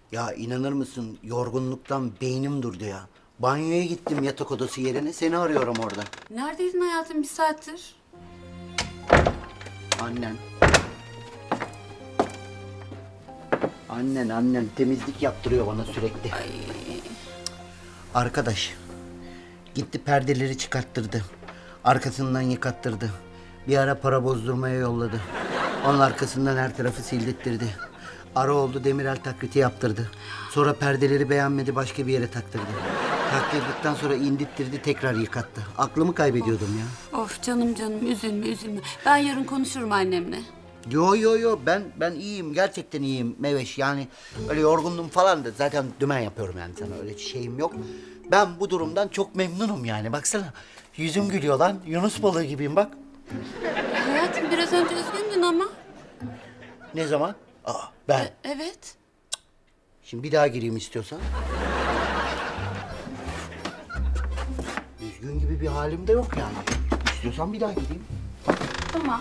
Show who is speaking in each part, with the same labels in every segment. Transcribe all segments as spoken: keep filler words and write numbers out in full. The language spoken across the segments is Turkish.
Speaker 1: Ya inanır mısın yorgunluktan beynim durdu ya. Banyoya gittim yatak odası yerine seni arıyorum orada.
Speaker 2: Neredeydin hayatım bir saattir?
Speaker 1: Annen. Annen annen temizlik yaptırıyor bana sürekli.
Speaker 2: Ay.
Speaker 1: Arkadaş gitti perdeleri çıkarttırdı. Arkasından yıkattırdı. Bir ara para bozdurmaya yolladı. Onun arkasından her tarafı sildirttirdi. Ara oldu demirel taklidi yaptırdı. Sonra perdeleri beğenmedi başka bir yere taktırdı. Taktırdıktan sonra indittirdi tekrar yıkattı. Aklımı kaybediyordum ya.
Speaker 2: Of canım canım üzülme üzülme. Ben yarın konuşurum annemle.
Speaker 1: Yo yo yo ben ben iyiyim gerçekten iyiyim Meveş yani öyle yorgundum falan da zaten dümen yapıyorum yani sana öyle şeyim yok. Ben bu durumdan çok memnunum yani baksana yüzüm gülüyor lan Yunus balığı gibiyim bak.
Speaker 2: Hayatım biraz önce üzgündün ama.
Speaker 1: Ne zaman? Aa ben.
Speaker 2: Evet.
Speaker 1: Şimdi bir daha gireyim istiyorsan. Üzgün gibi bir halim de yok yani. İstiyorsan bir daha gireyim.
Speaker 2: Tamam.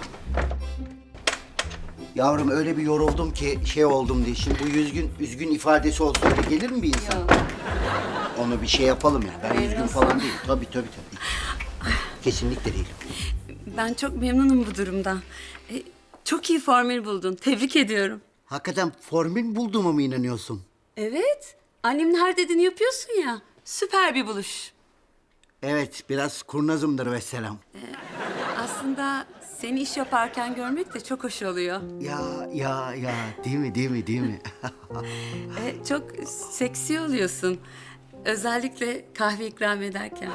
Speaker 1: Yavrum öyle bir yoruldum ki şey oldum diye. Şimdi bu üzgün, üzgün ifadesi olsa öyle gelir mi bir insan?
Speaker 2: Yok.
Speaker 1: Onu bir şey yapalım ya. Ben üzgün
Speaker 2: Memnunsun.
Speaker 1: falan değilim. Tabii tabii tabii. Kesinlikle değilim.
Speaker 2: Ben çok memnunum bu durumdan. E, çok iyi formül buldun. Tebrik ediyorum.
Speaker 1: Hakikaten formül bulduğuma mı inanıyorsun?
Speaker 2: Evet. Annemin her dediğini yapıyorsun ya. Süper bir buluş.
Speaker 1: Evet, biraz kurnazımdır vesselam.
Speaker 2: Aslında seni iş yaparken görmek de çok hoş oluyor.
Speaker 1: Ya ya ya değil mi değil mi değil mi?
Speaker 2: E, çok seksi oluyorsun. Özellikle kahve ikram ederken.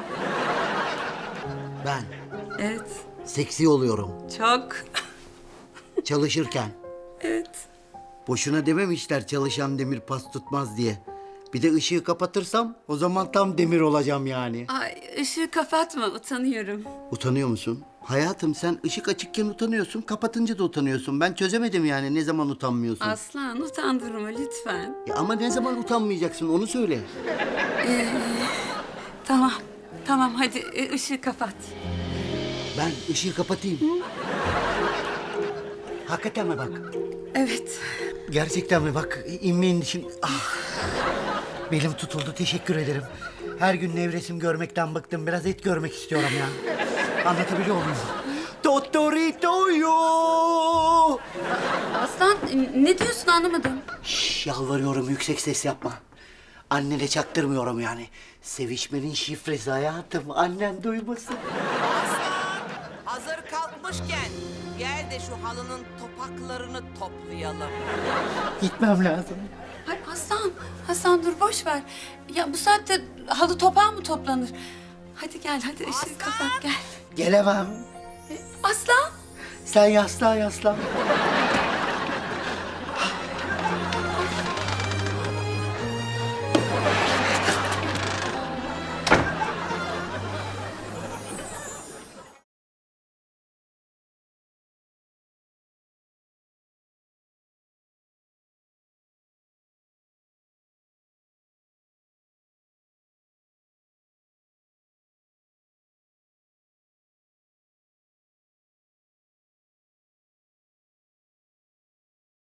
Speaker 1: Ben
Speaker 2: Evet.
Speaker 1: seksi oluyorum
Speaker 2: Çok.
Speaker 1: çalışırken.
Speaker 2: Evet.
Speaker 1: Boşuna dememişler çalışan demir pas tutmaz diye. Bir de ışığı kapatırsam o zaman tam demir olacağım yani.
Speaker 2: Ay ışığı kapatma utanıyorum.
Speaker 1: Utanıyor musun? Hayatım sen ışık açıkken utanıyorsun, kapatınca da utanıyorsun. Ben çözemedim yani ne zaman utanmıyorsun.
Speaker 2: Aslan utandırma lütfen.
Speaker 1: Ya ama ne zaman utanmayacaksın onu söyle.
Speaker 2: Tamam. Tamam hadi e, ışığı kapat.
Speaker 1: Ben ışığı kapatayım. Hakikaten mi bak?
Speaker 2: Evet.
Speaker 1: Gerçekten mi bak? İnmeyin şimdi. Ah. Belim tutuldu teşekkür ederim. Her gün nevresim görmekten bıktım. Biraz et görmek istiyorum ya. Anlatabiliyor muyum? Totoritoyo.
Speaker 2: Aslan e, ne diyorsun anlamadım.
Speaker 1: Şş, yalvarıyorum yüksek ses yapma. Annene çaktırmıyorum yani. Sevişmenin şifresi hayatım. Annen duymasın.
Speaker 3: Hazır kalkmışken gel de şu halının topaklarını toplayalım.
Speaker 1: Gitmem lazım.
Speaker 2: Ay Aslan, Aslan dur boş ver. Ya bu saatte halı topağı mı toplanır? Hadi gel hadi ışığı kapat gel.
Speaker 1: Gelemem.
Speaker 2: Aslan.
Speaker 1: Sen yaslan yaslan.